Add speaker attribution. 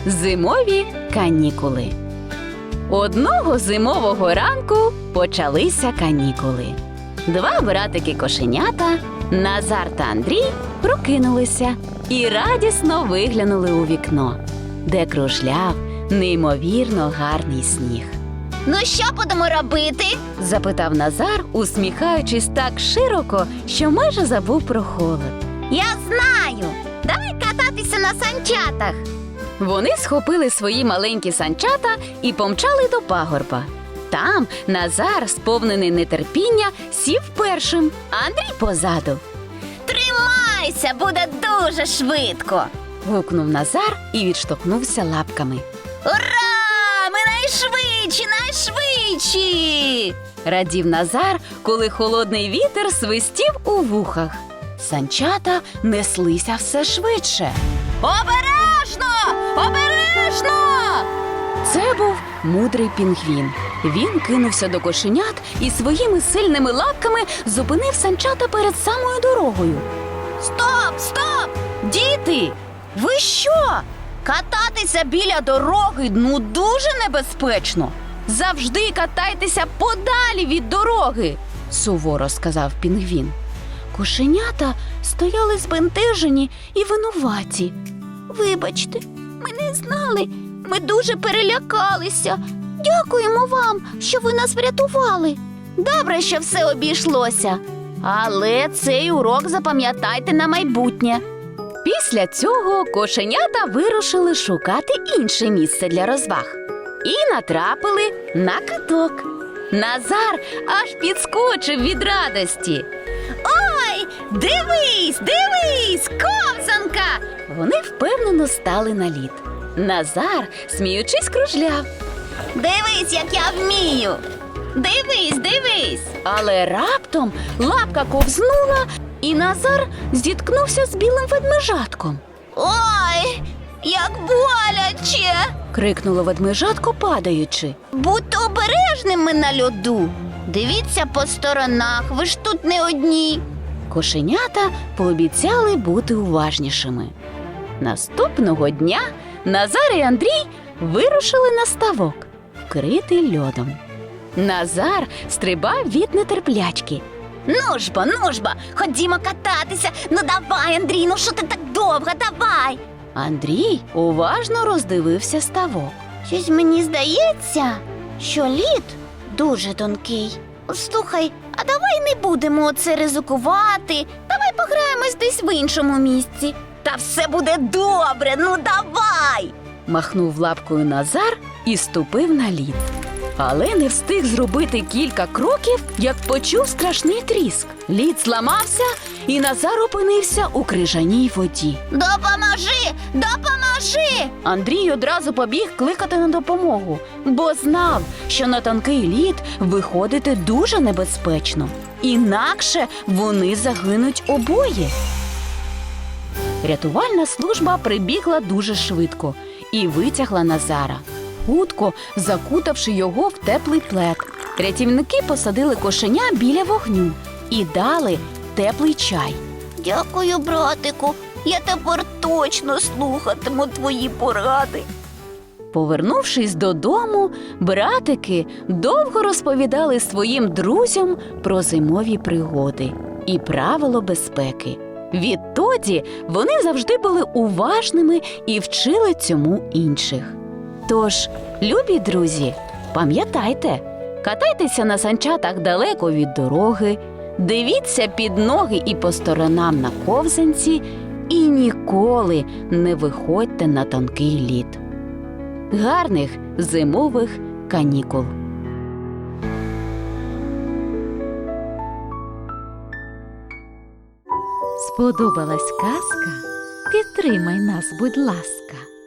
Speaker 1: Зимові канікули. Одного зимового ранку почалися канікули. Два братики-кошенята, Назар та Андрій, прокинулися і радісно виглянули у вікно, де кружляв неймовірно гарний сніг.
Speaker 2: Ну що будемо робити?
Speaker 1: Запитав Назар, усміхаючись так широко, що майже забув про холод.
Speaker 2: Я знаю! Давай кататися на санчатах.
Speaker 1: Вони схопили свої маленькі санчата і помчали до пагорба. Там Назар, сповнений нетерпіння, сів першим, а Андрій позаду.
Speaker 2: Тримайся, буде дуже швидко.
Speaker 1: Гукнув Назар і відштовхнувся лапками.
Speaker 2: Ура! Ми найшвидші, найшвидші!
Speaker 1: Радів Назар, коли холодний вітер свистів у вухах. Санчата неслися все швидше.
Speaker 2: Обережно! Обережно!
Speaker 1: Це був мудрий пінгвін. Він кинувся до кошенят і своїми сильними лапками зупинив санчата перед самою дорогою.
Speaker 2: Стоп, стоп!
Speaker 1: Діти, ви що? Кататися біля дороги, дуже небезпечно. Завжди катайтеся подалі від дороги, суворо сказав пінгвін. Кошенята стояли збентежені і винуваті.
Speaker 2: Вибачте, ми не знали, ми дуже перелякалися. Дякуємо вам, що ви нас врятували. Добре, що все обійшлося. Але цей урок запам'ятайте на майбутнє.
Speaker 1: Після цього кошенята вирушили шукати інше місце для розваг. І натрапили на каток. Назар аж підскочив від радості.
Speaker 2: Ой, дивись, дивись, ковзанка!
Speaker 1: Вони впевнено стали на лід. Назар, сміючись, кружляв.
Speaker 2: Дивись, як я вмію. Дивись, дивись.
Speaker 1: Але раптом лапка ковзнула, і Назар зіткнувся з білим ведмежатком.
Speaker 2: Ой, як боляче!
Speaker 1: Крикнуло ведмежатко, падаючи.
Speaker 2: Будьте обережними на льоду. Дивіться по сторонах, ви ж тут не одні.
Speaker 1: Кошенята пообіцяли бути уважнішими. Наступного дня Назар і Андрій вирушили на ставок, вкритий льодом. Назар стрибав від нетерплячки.
Speaker 2: Ну ж бо, ходімо кататися. Ну давай, Андрій, ну що ти так довго, давай.
Speaker 1: Андрій уважно роздивився ставок.
Speaker 2: Щось мені здається, що лід дуже тонкий. Слухай, а давай не будемо оце ризикувати. Давай пограємось десь в іншому місці. Та все буде добре, ну давай!
Speaker 1: Махнув лапкою Назар і ступив на лід. Але не встиг зробити кілька кроків, як почув страшний тріск. Лід зламався, і Назар опинився у крижаній воді.
Speaker 2: Допоможи! Допоможи!
Speaker 1: Андрій одразу побіг кликати на допомогу, бо знав, що на тонкий лід виходити дуже небезпечно. Інакше вони загинуть обоє. Рятувальна служба прибігла дуже швидко і витягла Назара, хутко закутавши його в теплий плед. Рятівники посадили кошеня біля вогню і дали теплий чай.
Speaker 2: Дякую, братику. Я тепер точно слухатиму твої поради.
Speaker 1: Повернувшись додому, братики довго розповідали своїм друзям про зимові пригоди і правила безпеки. Відтоді вони завжди були уважними і вчили цьому інших. Тож, любі друзі, пам'ятайте, катайтеся на санчатах далеко від дороги, дивіться під ноги і по сторонам на ковзанці і ніколи не виходьте на тонкий лід. Гарних зимових канікул!
Speaker 3: Сподобалась казка? Підтримай нас, будь ласка.